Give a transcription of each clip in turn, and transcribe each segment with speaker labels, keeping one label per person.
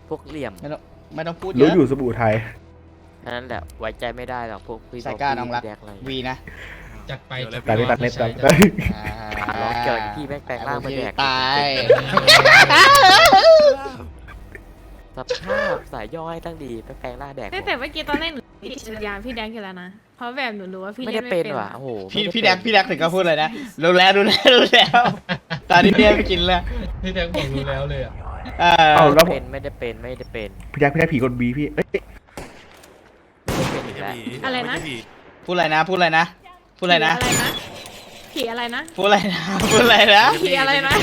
Speaker 1: พวกเหลี่ยม
Speaker 2: ไม่ต้องพูดเย
Speaker 3: รู้
Speaker 2: อะ
Speaker 3: อยู่สบู่ไทย
Speaker 1: นั่นแหละไว้ใจไม่ได้หรอกพวกพี่
Speaker 2: สายกล้าน้องรัก
Speaker 1: พี่แดกอะไร
Speaker 2: วีนะ
Speaker 4: จัดไป
Speaker 3: ตัดเน็ตตัดเน็ตตัด
Speaker 1: ร้องเกิดพี่แม่งแปลงร่างมาแดก
Speaker 2: ตาย
Speaker 1: สภาพสายย่อยตั้งดีแปลงร่างแดก
Speaker 5: แต่เมื่อกี้ตอนแรกหนูติดจักรยานพี่แดงอยู่แล้วนะ เพราะแบบหนูรู้ว่าพี่
Speaker 1: ไม่
Speaker 5: เล่
Speaker 1: ได้
Speaker 5: น
Speaker 1: เป็
Speaker 5: ไม่
Speaker 1: น
Speaker 5: เป็น
Speaker 1: ว่ะโอ้โห
Speaker 2: พี่แดกถึงก็พูดเลยนะรู้แล้วตอนนี้เนี่ยไปกินแล้ว
Speaker 4: พี่แดงบอกรู้แล้วเลยอ่ะ
Speaker 3: เอาแล้ว
Speaker 1: ไม่ได้เป็นไม่ได้เป็น
Speaker 3: พี่แจ็คผีกดบีพี่เอ้ย
Speaker 1: ไม่ได้เป็นอีกแล้ว
Speaker 5: อะไรนะ
Speaker 2: พูดอะไรนะพูดอะไรนะพูดอะไรนะ
Speaker 5: ผีอะไรนะ
Speaker 2: พูดอะไรนะพูดอะไรนะ
Speaker 5: ผีอะไรนะ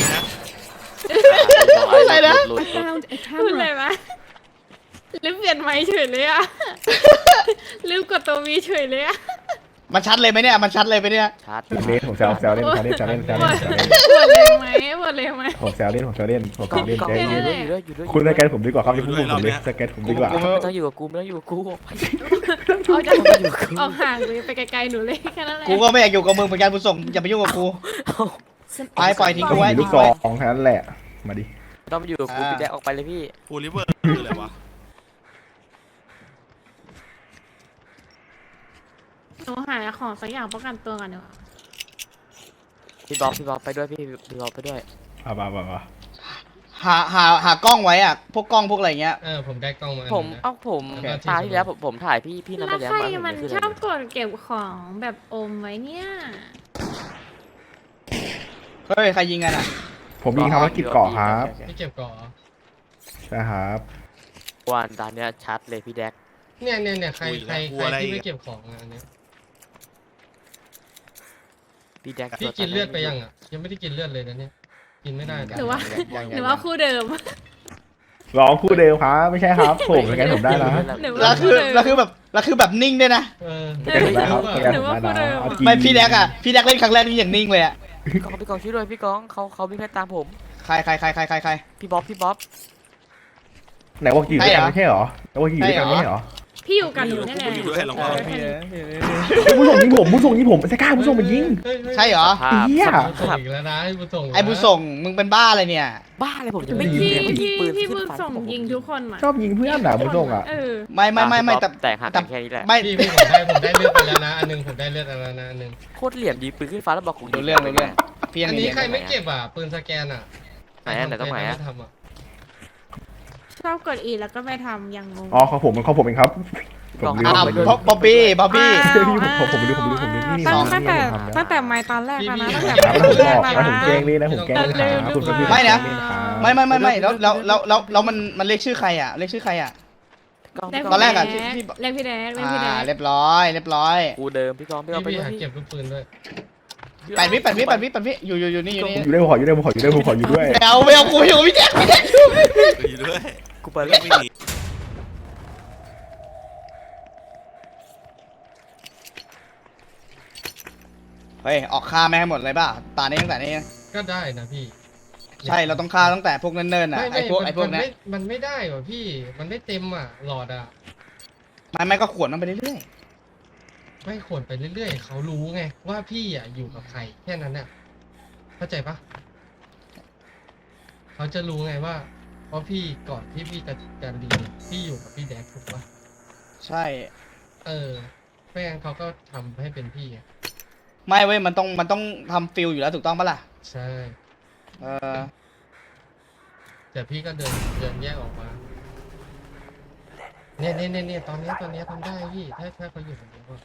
Speaker 2: อะไรนะ
Speaker 1: หลุด
Speaker 5: พูดอะไรนะลืมเปลี่ยนไม้เฉยเลยอะลืมกดตัววีเฉยเลยอะ
Speaker 2: มันชัดเลยไหมเนี่ยมันชัดเลยไหมเนี่ย
Speaker 1: ชาร์จ
Speaker 3: เล่นผมแซวเล่นแซวเล่น
Speaker 5: หมดเลยไหมหมดเลยไหม
Speaker 3: ผมแซวเล่นผม
Speaker 1: กล้อง
Speaker 3: เล่น
Speaker 1: กล้อง
Speaker 3: ใจ
Speaker 1: อยู่
Speaker 3: เย็น
Speaker 1: ด้วยอยู่ด้วยอยู่ด้วย
Speaker 3: คุณสแกนผมดีกว่าครับที่พูดผมเลยสแกนผมดีกว่า
Speaker 1: ไม่ต้องอยู่กับกูไม่ต้องอยู่กับกู
Speaker 5: เอาจากเอาห่างเลยไปไกลๆหนูเลยแค่นั้นแหละ
Speaker 2: กูก็ไม่อยากอยู่กับมึงเหมือนกันบุญส่งอย่าไปยุ่งกับกูไปปล่อยทิ้ง
Speaker 3: ก็
Speaker 2: กูไว้
Speaker 3: มีลูกซองแค่นั้นแหละมาดิ
Speaker 1: ต้องมาอยู่กับกูพี่แดกออกไปเลยพี่
Speaker 6: ฟูลิเวอร์คืออะไรวะ
Speaker 5: หนูหาของสักอย่างป้องกันตัวกันเนาะ
Speaker 1: พี่บ๊อบไปด้วยพี่บ๊อบไปด้วย
Speaker 3: มา
Speaker 2: หากล้องไว้อะพวกกล้องพวกอะไรเงี้ย
Speaker 4: ผมได้กล้องมา
Speaker 1: ผมตาที่แล้วผมถ่ายพี่นั่น
Speaker 5: แล้
Speaker 1: ไป
Speaker 5: ว
Speaker 1: แล้ว
Speaker 5: ใคร
Speaker 1: มา
Speaker 5: มัน
Speaker 1: ขึ้น
Speaker 5: ช
Speaker 1: เล
Speaker 5: อบ
Speaker 1: ย
Speaker 5: กดเก็บของแบบอมไว้เนี่ย
Speaker 2: เฮ้ยใครยิงกันอ่ะ
Speaker 3: ผมมีภารกิจเกาะครับ
Speaker 4: พี่เก็บก่อน
Speaker 3: ใช่ครับ
Speaker 1: วันตอนเนี้ยชัดเลยพี่แดก
Speaker 4: เนี่ยใครที่ไม่เก็บของอันนี้
Speaker 1: พี่แดก
Speaker 4: พี่กินเลือดไปยังอ่ะยังไม่ได้กินเลือดเลยนะเนี่ยกินไม่ได้
Speaker 5: หรือว่าคู่เดิม
Speaker 3: ร้องคู่เดิมครับไม่ใช่ครับผมสแกนผมได้นะ
Speaker 5: หรือ
Speaker 2: แล้
Speaker 5: ว่าว
Speaker 2: คือแบบนิ่งด้วยนะ
Speaker 3: สแกนผมได้ครับสแกนผมได้นะ
Speaker 2: ไม่พี่แดกอ่ะพี่แดกเล่นครั้งแรกนี่อย่างนิ่งเลยอ่ะ
Speaker 1: พี่กองช่วยด้วยพี่กองเขาวิ่งไล่ตามผม
Speaker 2: ใคร
Speaker 1: พี่บ๊อบ
Speaker 3: ไหนว่ากี่ด้วยกันไม่ใช่หรอไหนว่ากี่ด้วยกันไม่ใช่หรอ
Speaker 5: พี่อยู่กับหนูนี่แหละ
Speaker 6: อยู่ด้วยลองเอา
Speaker 3: ผู้ส่งยิงผมสก้าผู้ส่งมายิง
Speaker 2: ใช่เหรอ
Speaker 1: ภาพ
Speaker 3: เหี้ย
Speaker 4: ส่งอีกแล้วนะให้บุญส่ง
Speaker 2: ไอ้บุญส่งมึงเป็นบ้าอะไรเนี่ย
Speaker 1: บ้าเลยผมจะไม่
Speaker 3: ยิ
Speaker 1: ยิ
Speaker 3: ง
Speaker 1: ง
Speaker 5: พี่บุญส่งยิงทุกคนอ่ะ
Speaker 3: ชอบยิงเพื่อนอ่ะผู้ส่งอ่ะ
Speaker 2: ไม่
Speaker 1: แต่หักกันแค่นี้แหละ
Speaker 2: ไม่
Speaker 4: พี่ผมได้เลือดไปแล้วนะอันนึงผมได้เลือดไปแล้วนะอันนึง
Speaker 1: โคตรเหลี่ยมยิงปืนขึ้นฟ้าแล้วบอกกู
Speaker 2: รู้เรื่องพี่ยั
Speaker 4: อั
Speaker 2: ง
Speaker 4: นนี้
Speaker 2: เรียน
Speaker 4: ใครไม่เก็บอ่ะปืนสแกนอ่ะ
Speaker 1: ไหนต้องไหนอะ
Speaker 4: ทำอ่ะ
Speaker 5: ชอบกดอีแล้วก็ไม่ทำยังงง
Speaker 3: อ๋อของผมเองครับผมลืม
Speaker 2: อ้าว
Speaker 3: ไปดู
Speaker 2: บ๊อบบี้
Speaker 3: ผมดูนี่
Speaker 5: ตั้งแต่ไม้ตอนแรกแล้วนะตั้งแต่
Speaker 3: ครับ
Speaker 5: ไม้
Speaker 3: ผม
Speaker 5: แร
Speaker 3: บอก
Speaker 5: กแล้ว
Speaker 3: นะผม
Speaker 5: นะ
Speaker 3: แกล้งเลยนะผมแกล้งครับคุณพี่
Speaker 2: ไม่แล้วมันเรียกชื่อใครอ่ะเรียกชื่อใครอ่ะ ตอนแรกอะที่
Speaker 5: เรียกพี่แดกเรียกพี่แดก
Speaker 2: เรียบร้อย
Speaker 1: กูเดิมพี่กองพี่เอาไป
Speaker 4: พี่
Speaker 1: ด้วย
Speaker 4: หา
Speaker 1: พี่
Speaker 4: เก็บลูกปืนด้วย
Speaker 2: 8 วิอยู่นี่
Speaker 3: อยู่ด้วยผมขออยู่ด้วย
Speaker 2: เอากูอยู่พี่แจ๊ค
Speaker 6: อยู่ด้วย
Speaker 1: กูไป
Speaker 6: เรื่
Speaker 1: แล้
Speaker 6: อ
Speaker 1: ว
Speaker 6: งไม่หนี
Speaker 2: เฮ้ยออกฆ่าแม่งให้หมดเลยป่ะตานี้ตั้งแต่นี้
Speaker 4: ก็ได้นะพี่
Speaker 2: ใช่เราต้องฆ่าตั้งแต่พวกเนิ่นๆอ่ะไอ้พวกนี้
Speaker 4: มันไม่ได้ว่ะพี่มันไม่เต็มอ่ะหลอดอ่ะ
Speaker 2: ไม่ก็ขวนมันไปเรื่อย
Speaker 4: ไม่ขวนไปเรื่อยๆเขารู้ไงว่าพี่อ่ะอยู่กับใครแค่นั้นน่ะเข้าใจปะเขาจะรู้ไงว่าเพราะพี่ก่อนที่พี่จะเรียนพี่อยู่กับพี่แดกถูกปะ
Speaker 2: ใช่
Speaker 4: ไม่งั้นเขาก็ทำให้เป็นพี่ไง
Speaker 2: ไม่เว้ยมันต้องทำฟิลอยู่แล้วถูกต้องปะล่ะ
Speaker 4: ใช่ แต่พี่ก็เดินแยกออกมาเนี่ยตอนนี้ทำได้พี่ถ้าเขาอยู่แบบนี้ก็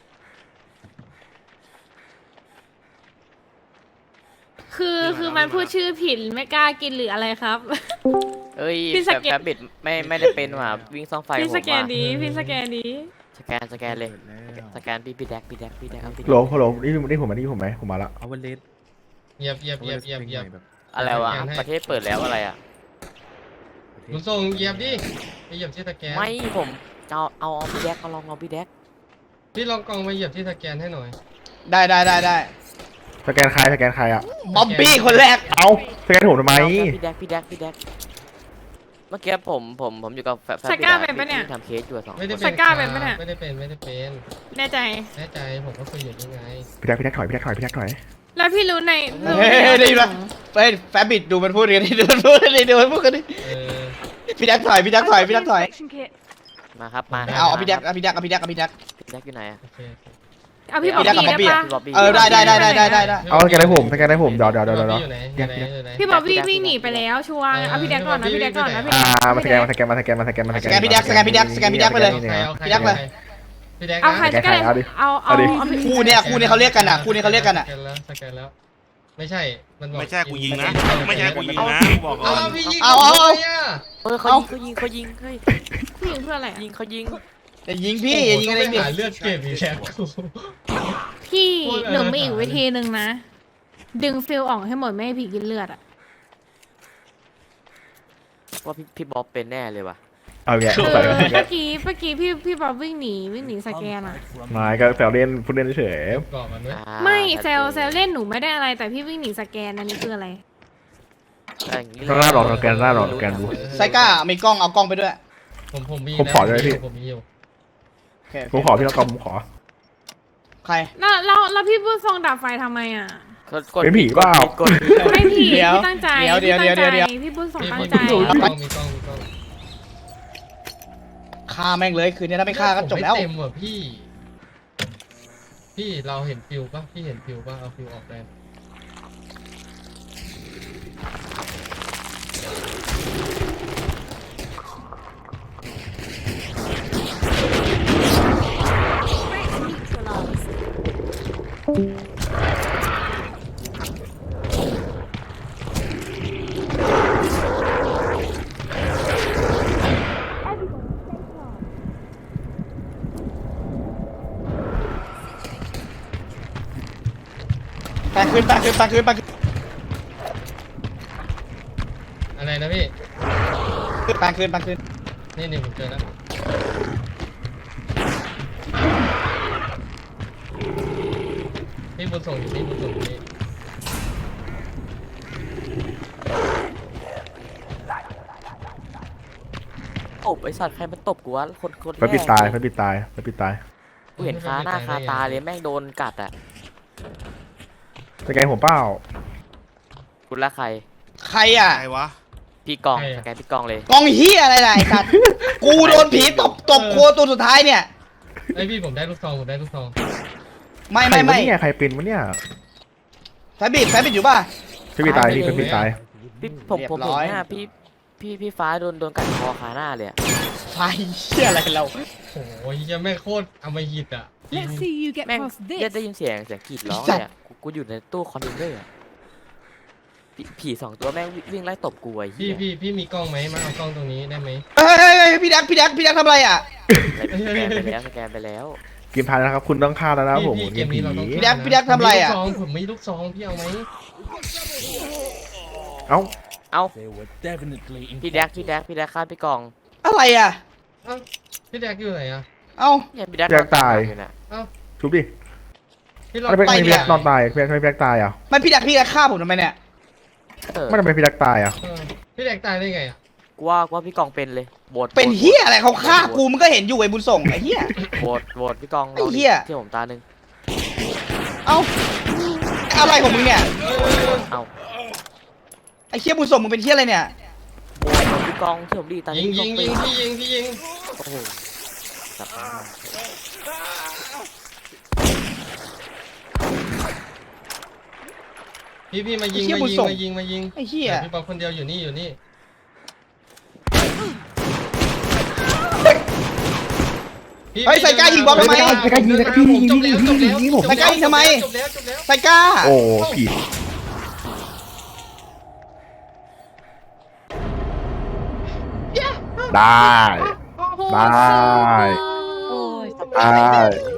Speaker 5: คือมันพูดชื่อผิดไม่กล้ากินหรืออะไรครับ
Speaker 1: เอ้ย
Speaker 5: พี่สแกน
Speaker 1: แฟบบิดไม่ได้เป็นว่ะวิ่งซ่องไฟ
Speaker 5: พี่
Speaker 1: ผม
Speaker 5: สแกน
Speaker 1: ว่ะ
Speaker 5: ดีพี่สแกนดี
Speaker 1: สแกนเลยสแกนพี่แดกเอาพี่
Speaker 3: โหลนี่ผมไหมผมมาละ
Speaker 7: เอาวันเลส
Speaker 4: เหยียบ
Speaker 1: อะไรวะ
Speaker 4: สแกนให้
Speaker 1: ประเทศเปิดแล้วอะไรอ่ะ
Speaker 4: คุณส่งเหยียบดิไปเหยียบที่สแกน
Speaker 1: ไม่ผมจะเอาพี่แดกเอาลองเอาพี่แดก
Speaker 4: พี่ลองกองมาเหยียบที่สแกนให้หน่อย
Speaker 2: ได้
Speaker 3: สแกนใครอ่ะ
Speaker 2: บ๊อบบี้คนแรก
Speaker 3: เอาสแกนผมทำไม
Speaker 1: พี่แดกเมื่อกี้ผมอยู่กับแฟบ
Speaker 5: สก้าเป็นปะเนี่ย
Speaker 1: ทำเคสอยู่สอง
Speaker 4: ไม่ได้
Speaker 5: สก้าเป็นปะเนี่ย
Speaker 4: ไม่ได้เป็น
Speaker 5: แน่ใจ
Speaker 4: แน่ใจผมก็คุยอยู่ยังไง
Speaker 3: พี่แจ็คถอย
Speaker 5: แล้วพี่รู้ใน
Speaker 2: เฮ้ยได้ยินปะเฮ้ยแฟบบิดดูมันพูดกันดิดูมันพูดกันดิพี่แดกถอยพี่แดกถอยพี่แดกถอย
Speaker 1: มาครับมา
Speaker 2: เอาพี่แดกเอาพี่แดกเอาพี่แดกเอาพี่แดก
Speaker 1: พี่แดกอยู่ไหนอะ
Speaker 4: โอเค
Speaker 5: เอาพี่บอ
Speaker 2: พี่
Speaker 5: บ
Speaker 2: แดกกับ
Speaker 5: บี้
Speaker 2: บ๊อบบี้
Speaker 5: ได้
Speaker 2: อะ
Speaker 5: ปะ
Speaker 2: ได้
Speaker 3: เอาสแกนให้ผมสแกนให้ผมเดี๋ยว
Speaker 4: อยู่ไหนอยู่ไหนอยู่ไหน
Speaker 5: พี่บอบบี้วิ่งหนีไปแล้วชัวร์เอาพี่แดกก่อนนะพี่แดกก่อนนะพี่แดก
Speaker 3: มาสแกนมาสแกนมาสแกนมาสแกนมาสแกน
Speaker 2: สแกนพี่แดกสแกนพี่แดกสแกนพี่แดกไปเลย พี่แดกเลย
Speaker 4: พี่แดก
Speaker 5: เอาใครจะได้เอาพี่
Speaker 2: คู่เนี่ยเขาเรียกกันอ่ะคู่นี้เขาเรียกกันอ่ะ
Speaker 4: สแกนแล้วไม่ใช่มันบอก
Speaker 6: ไม่ใช่กูยิงนะ ไม่ใช่กูยิงนะกูบอกก่อ
Speaker 4: เอา
Speaker 6: น
Speaker 4: พี่ยิง
Speaker 2: เอา
Speaker 1: เออเขายิงเฮ้ย
Speaker 5: ผู้หญิงเพื่ออะไร
Speaker 1: ยิงเขายิง
Speaker 2: อย่ายิงพี่อย่ายิงอะไร
Speaker 4: พี่
Speaker 2: พี่
Speaker 4: หาเลือดเก็บอีกแล้วกู
Speaker 5: พี่หนูมีอีกวิธีหนึ่งนะ ดึงฟิลออกให้หมดไม่ให้ผีกินเลือดอ่ะ
Speaker 1: ว่าพี่บ๊อบเป็นแน่เลยว่ะ
Speaker 3: เอาแก
Speaker 5: คือ
Speaker 3: ใส่
Speaker 5: เมื่อกี้พี่บอบวิ่งหนีสแกนอ่ะ
Speaker 3: มาก็แซวเล่นพูดเล่นเฉย
Speaker 4: ก่อนมันด้วย
Speaker 5: ไม่เซลเล่นหนูไม่ได้อะไรแต่พี่วิ่งหนีสแกนอันนี้คืออะไร
Speaker 3: ก็น่าหลอกสแกนน่าหลอกสแกนดู
Speaker 2: ไซก้ามีกล้องเอากล้องไปด้วย
Speaker 4: ผมมี
Speaker 3: ผมขอด้วยพี่
Speaker 4: ผมมีอยู่
Speaker 2: โอเค
Speaker 3: ผมขอพี่น้องกอมผมขอ
Speaker 2: ใคร
Speaker 5: แล้วพี่พูดทรงดับไฟทำไมอ่ะ
Speaker 3: เป็นผีเปล่า
Speaker 1: กด
Speaker 5: ไม่ผี
Speaker 2: เดี๋ยว
Speaker 5: พี่ตั้งใจ
Speaker 2: เดี๋ยว
Speaker 5: พี่ตั้ง
Speaker 2: เดี๋ยว
Speaker 5: ใจพี่พูดทรง
Speaker 4: มี
Speaker 5: ตั้ง
Speaker 4: มี
Speaker 5: ใจ
Speaker 4: มีกล้อง
Speaker 2: ฆ่าแม่งเลยคืนนี้ถ้าไม่ฆ่าก็จบแล้ว
Speaker 4: เต็มว่ะพี่เราเห็นฟิวป่ะพี่เห็นฟิวป่ะเอาฟิวออกได้
Speaker 2: ไปคืน
Speaker 4: อะไรนะพี่ นี่ผมเจอแล้วพี่บุญส่งอยู่นี่บุญส่งอยู่นี่
Speaker 1: ตบไอสัตว์ใครมันตบกูวะคน
Speaker 3: ไฟปิดตายไฟปิดตายไฟปิดตาย
Speaker 1: กูเห็นคาหน้าคาตาเลยแม่งโดนกัดอ่ะ
Speaker 3: สแกนผมเปล่า
Speaker 1: คุณละใคร
Speaker 2: ใครอ่ะ
Speaker 6: ใครวะ
Speaker 1: พี่กองสแกนพี่กองเลย
Speaker 2: กองเฮียอะไรล่ะไอ้สัตว์กูโดนผีตบโคตัวสุดท้ายเนี่ย
Speaker 4: ไอพี่ผมได้ลูกซอง
Speaker 2: ไม่
Speaker 3: ใครวะเนี่ยใครเป็นวะเนี่ย
Speaker 2: แฟบิดอยู่ป่ะ
Speaker 3: ไฟปิดตายพี่ไฟปิดตาย
Speaker 1: พี่ผม
Speaker 2: เรียบ
Speaker 1: ผม
Speaker 2: ร้
Speaker 1: เห็น
Speaker 2: อย
Speaker 1: หน้าพี่ฟ้าโดนกัดคอคาหน้าเลยอะ
Speaker 2: ไฟเฮียอะไรเรา
Speaker 4: โอ้ยยังไม่โคตรอมหิตอ่ะ
Speaker 7: Let's see you get
Speaker 1: แม่ง
Speaker 7: past
Speaker 1: ได้
Speaker 7: this.
Speaker 1: ยินเสียงกรีดร้องเลยอะกูอยู่ในตู้คอนเทนเนอร์อะผีสองตัวแม่งวิ่งไล่ตบกูไอ้เหี้ย
Speaker 4: พี่มีกล้องไหมมาเอากล้องตรงนี้ได้ไหม
Speaker 2: เฮ้ยพี่แดกทำอะไรอ่ะ
Speaker 1: สแกนไปแล้ว
Speaker 3: เกมพายนะครับคุณต้องฆ่าแล้วนะผม
Speaker 4: พี่
Speaker 3: เกมผี
Speaker 2: พี่แดกทำอะไรอ่ะ
Speaker 4: ผมมีลูกซองพี่เอาไหม
Speaker 3: เอ้า
Speaker 1: เอ้าพี่แดกฆ่าพี่กอง
Speaker 2: อะไรอ่ะ
Speaker 4: เอ้าพี่แดกอยู่ไหนอ่ะ
Speaker 2: เอ้า
Speaker 1: เนี่ยพี่แดก
Speaker 3: แดกตาย
Speaker 1: อยู่น่ะ
Speaker 3: ชุบดิ
Speaker 4: พี่ลอง
Speaker 3: ไม่เป็น
Speaker 2: ไป
Speaker 3: ไม
Speaker 2: เนี่
Speaker 3: พี่
Speaker 2: ย
Speaker 3: แดกนอนตายพี่แดกไม่พี่แดกตายอ่ะ
Speaker 2: ไม่พี่แดกฆ่าผมทำไมเนี่ย
Speaker 1: เออ
Speaker 3: ไม่ทำไมพี่แดกตายอ่ะ
Speaker 4: พี่แดกตายได้ไงอ่ะ
Speaker 1: กูว่าพี่กองเป็นเลยโหวต
Speaker 2: เป็นเฮียอะไรเขาฆ่ากูมันก็เห็นอยู่ไอ้บุญส่งไอ้เฮีย
Speaker 1: โหวตพี่กอง
Speaker 2: ไอ้เหี้ย
Speaker 1: ที่ผมตาหนึ่ง
Speaker 2: เอ้าอะไรของมึงเนี่ย
Speaker 1: เอ้า
Speaker 2: ไอ้เฮียบุญส่งมึงเป็นเฮียอะไรเนี่ย
Speaker 1: โหวตพี่กองที่ผมดีตา
Speaker 4: ยิง
Speaker 1: พี่กองเป็น
Speaker 4: พี่ยิง
Speaker 1: โอ้โหจับมา
Speaker 4: พี่มายิง
Speaker 2: ไอ้เหี้ยบุญส่ง
Speaker 4: มายิง
Speaker 2: ไอ้เฮีย
Speaker 4: พี่ปอคนเดียวอยู่นี่พี่
Speaker 2: เฮ้ยใส่กล้ายิงบอลทำไม
Speaker 3: ใส่กล้ายิงนะพี่ยิงผม
Speaker 2: ใส่กล้ายิงทำไม
Speaker 4: จบแล้ว
Speaker 2: ไซก้า
Speaker 3: โอ้ผิดได้
Speaker 5: โอ้โห
Speaker 3: ได้
Speaker 7: โอ้ย
Speaker 3: ได้